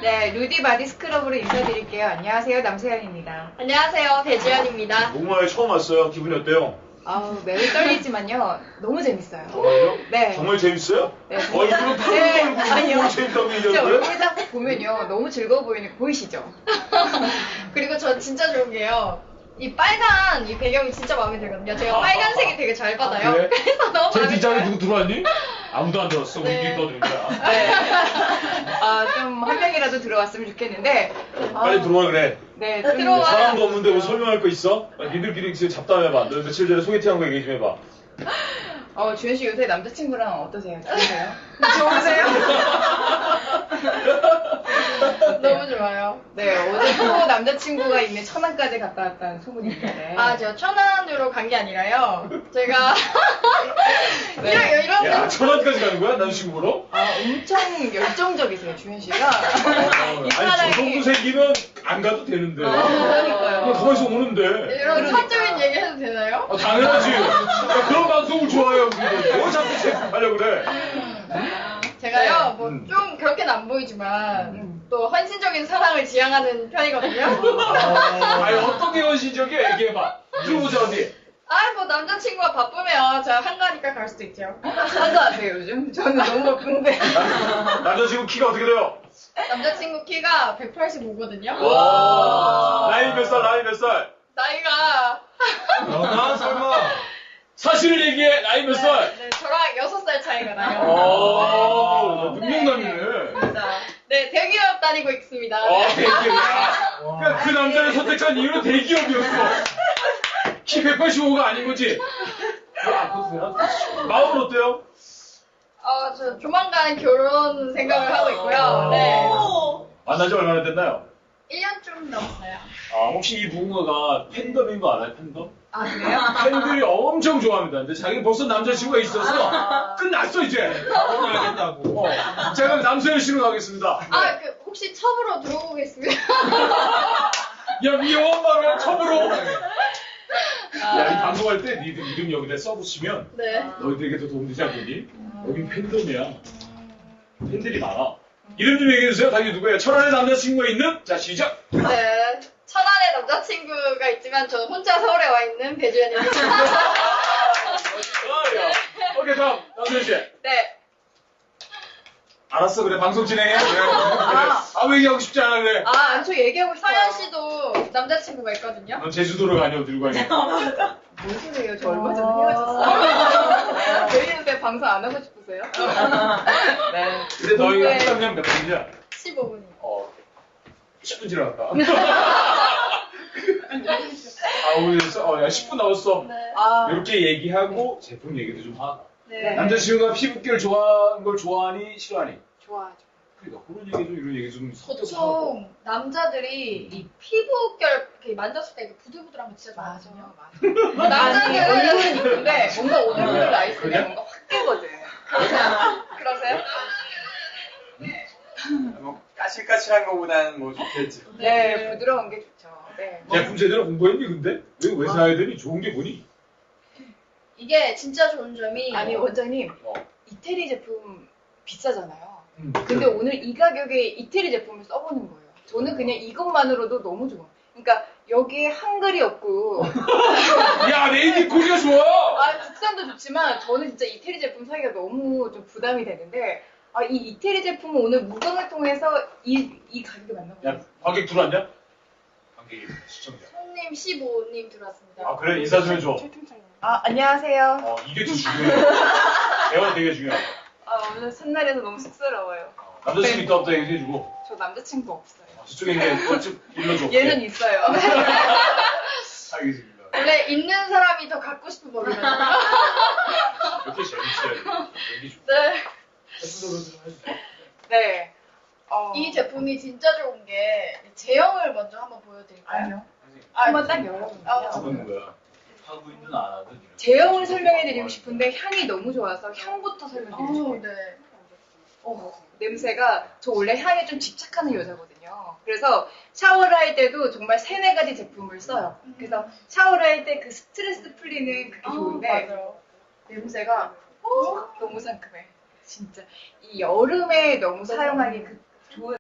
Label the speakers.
Speaker 1: 네, 루디 바디 스크럽으로 인사드릴게요. 안녕하세요, 남세현입니다.
Speaker 2: 안녕하세요, 배지연입니다.
Speaker 3: 목마에 처음 왔어요. 기분이 어때요?
Speaker 1: 아우, 매우 떨리지만요, 너무 재밌어요.
Speaker 3: 정말요?
Speaker 1: 네.
Speaker 3: 정말 재밌어요?
Speaker 1: 네,
Speaker 3: 얼굴은
Speaker 1: 네,
Speaker 3: 푸른 얼굴이
Speaker 1: 아니요.
Speaker 3: 너무 재밌다고
Speaker 1: 제
Speaker 3: 얘기하는
Speaker 1: 얼굴
Speaker 3: 거예요?
Speaker 1: 딱 보면요, 너무 즐거워 보이는 거 보이시죠?
Speaker 2: 그리고 전 진짜 좋은 게요. 이 빨간 이 배경이 진짜 마음에 들거든요. 제가 빨간색이 되게 잘 받아요.
Speaker 3: 그래?
Speaker 2: 그래서 너무
Speaker 3: 제
Speaker 2: 마음에
Speaker 3: 뒷자리
Speaker 2: 들어요.
Speaker 3: 누구 들어왔니? 아무도 안 들어왔어.
Speaker 2: 네.
Speaker 3: 우리끼리 떠드는 거야.
Speaker 1: 네. 좀 한 명이라도 들어왔으면 좋겠는데.
Speaker 3: 빨리 들어와 그래.
Speaker 1: 네,
Speaker 2: 좀 들어와요.
Speaker 3: 사람도 없는데 뭐 설명할 거 있어? 니들끼리 지금 잡담해봐. 너 며칠 전에 소개팅한 거 얘기 좀 해봐.
Speaker 1: 주현 씨 요새 남자친구랑 어떠세요? 좋으세요? 좋으세요?
Speaker 2: 너무 좋아요.
Speaker 1: 네, 어제 또 남자친구가 있는 천안까지 갔다 왔다는 소문이 있는데.
Speaker 2: 아, 제가 천안으로 간 게 아니라요. 제가
Speaker 1: 네.
Speaker 2: 이런
Speaker 3: 야, 천안까지 가는 거야? 남자친구 보러?
Speaker 1: 엄청 열정적이세요, 주현 씨가.
Speaker 3: 아니, 저 정도 생기면 안 가도 되는데.
Speaker 1: 그러니까요.
Speaker 3: 그냥 가만있어 오는데.
Speaker 2: 이런 사적인 얘기 해도 되나요?
Speaker 3: 당연하지. 야, 그런 방송을 좋아해요, 우리도. 뭐 자꾸 제품하려고 그래.
Speaker 2: 제가요, 뭐
Speaker 3: 음.
Speaker 2: 좀 그렇게는 안 보이지만 또 헌신적인 사랑을 지향하는 편이거든요.
Speaker 3: 아니, 어떤 게 헌신적이야? 얘기해봐. 들어보자, 어디.
Speaker 2: 뭐 남자친구가 바쁘면 제가 한가하니까 갈 수도 있죠.
Speaker 1: 한가하세요, 요즘? 저는 너무 바쁜데.
Speaker 3: 남자친구 키가 어떻게 돼요?
Speaker 2: 남자친구 키가 185거든요.
Speaker 3: 와. 나이 몇 살, 나이 몇 살?
Speaker 2: 나이가
Speaker 3: 나 설마. 사실을 얘기해, 나이 몇 살?
Speaker 2: 네, 저랑 6살 차이가 나요.
Speaker 3: 오, 능력남이네.
Speaker 2: 네, 대기업 다니고 있습니다.
Speaker 3: 대기업이야. 그러니까 그 남자를 선택한 이유는 대기업이었어. 키 185가 아닌 거지. 마음은 어때요?
Speaker 2: 저 조만간 결혼 생각을 하고 있고요. 네.
Speaker 3: 만난 지 얼마나 됐나요?
Speaker 2: 1년 좀 넘었어요.
Speaker 3: 혹시 이 무궁화가 팬덤인 거 알아요, 팬덤?
Speaker 2: 아, 그래요?
Speaker 3: 팬들이 엄청 좋아합니다. 근데 자기는 벌써 남자친구가 있어서 끝났어, 이제. 결혼하겠다고. 제가 남서현 씨로 가겠습니다.
Speaker 2: 혹시 첩으로 들어오겠습니다.
Speaker 3: 야, 미워한 말을 첩으로. 야, 이 방송할 때 니들 이름 여기다 써붙이면
Speaker 2: 네.
Speaker 3: 너희들에게 더 도움되지 않겠니? 여긴 팬덤이야. 팬들이 많아. 이름 좀 얘기해주세요. 당연히 누구예요? 천안에 남자친구가 있는? 자, 시작!
Speaker 2: 네. 천안에 남자친구가 있지만 저는 혼자 서울에 와 있는 배주연입니다.
Speaker 3: 오케이, 다음. 남서현 씨.
Speaker 2: 네.
Speaker 3: 알았어, 그래. 방송 진행해. 그래. 아무 얘기하고 싶지 않아, 그래.
Speaker 1: 저 얘기하고 싶어요.
Speaker 2: 서현 씨도 남자친구가 있거든요.
Speaker 3: 넌 제주도로 가냐, 들고 가냐.
Speaker 1: 뭔 소리예요? 저 얼마 전에 헤어졌어요. 왜 요새 방송 안 하고 싶으세요? 네.
Speaker 3: 근데 너희가
Speaker 1: 근데-
Speaker 3: 합당량 몇 분이냐?
Speaker 2: 15분이요.
Speaker 3: 10분 지나갔다. 오늘 10분 남았어.
Speaker 2: 네.
Speaker 3: 이렇게 얘기하고 제품 얘기도 좀 하고.
Speaker 2: 네.
Speaker 3: 남자친구가 피부결 좋아하는 걸 좋아하니 싫어하니?
Speaker 1: 좋아하죠.
Speaker 3: 그러니까 그런 얘기 좀 이런 얘기 좀 섞어서 하고.
Speaker 2: 보통 남자들이 이 피부결 이렇게 만졌을 때 이렇게 부들부들한 거 진짜 좋아하거든요.
Speaker 1: 남자들은 얼굴은 이쁜데 뭔가 오늘오늘
Speaker 3: 그래?
Speaker 1: 나이스면 뭔가 확 깨거든.
Speaker 2: 그러세요?
Speaker 4: 뭐 까실까실한 거보다는 뭐 좋겠지.
Speaker 1: 네, 부드러운 게 좋죠. 네.
Speaker 3: 제품 제대로 공부했니 근데? 왜 사야 되니? 좋은 게 뭐니?
Speaker 2: 이게 진짜 좋은 점이
Speaker 1: 아니 원장님,
Speaker 3: 어.
Speaker 1: 이태리 제품 비싸잖아요.
Speaker 3: 그래.
Speaker 1: 근데 오늘 이 가격에 이태리 제품을 써보는 거예요. 저는 그냥 이것만으로도 너무 좋아. 그러니까 여기에 한글이 없고
Speaker 3: 야, 메이드 코리아 좋아!
Speaker 1: 국산도 좋지만 저는 진짜 이태리 제품 사기가 너무 좀 부담이 되는데 이 이태리 제품은 오늘 무광을 통해서 이 가격에 맞는 거예요.
Speaker 3: 야, 관객 들어왔냐? 관객이 시청자.
Speaker 2: 손님 15님 들어왔습니다.
Speaker 3: 그래, 인사 좀 해줘.
Speaker 1: 안녕하세요.
Speaker 3: 이게 더 중요해. 대화 되게 중요해.
Speaker 1: 오늘 첫날에서 너무 쑥스러워요.
Speaker 3: 남자친구 있다부터 얘기해주고.
Speaker 1: 저 남자친구 없어요.
Speaker 3: 저쪽에 있는 꽃집 일러줘.
Speaker 1: 얘는 있어요.
Speaker 3: 알겠습니다.
Speaker 2: 원래 있는 사람이 더 갖고 싶은 법이거든요.
Speaker 3: 이렇게 재밌어요. 여기 좀.
Speaker 2: 네.
Speaker 3: 해주세요.
Speaker 1: 네.
Speaker 2: 이 제품이 진짜 좋은 게 제형을 먼저 한번 보여드릴까요?
Speaker 1: 아니요. 한번 딱 열어보세요.
Speaker 3: 하는 거야.
Speaker 4: 하고 있는 안 하든.
Speaker 1: 제형을 설명해드리고 싶은데 향이 너무 좋아서 향부터 설명드리고 싶어요.
Speaker 2: 네.
Speaker 1: 냄새가 저 원래 향에 좀 집착하는 여자거든요. 그래서 샤워를 할 때도 정말 3-4가지 제품을 써요. 그래서 샤워를 할 때 그 스트레스 풀리는 그게 좋은데
Speaker 2: 맞아요.
Speaker 1: 냄새가 너무 상큼해. 진짜 이 여름에 너무 사용하기 그 좋은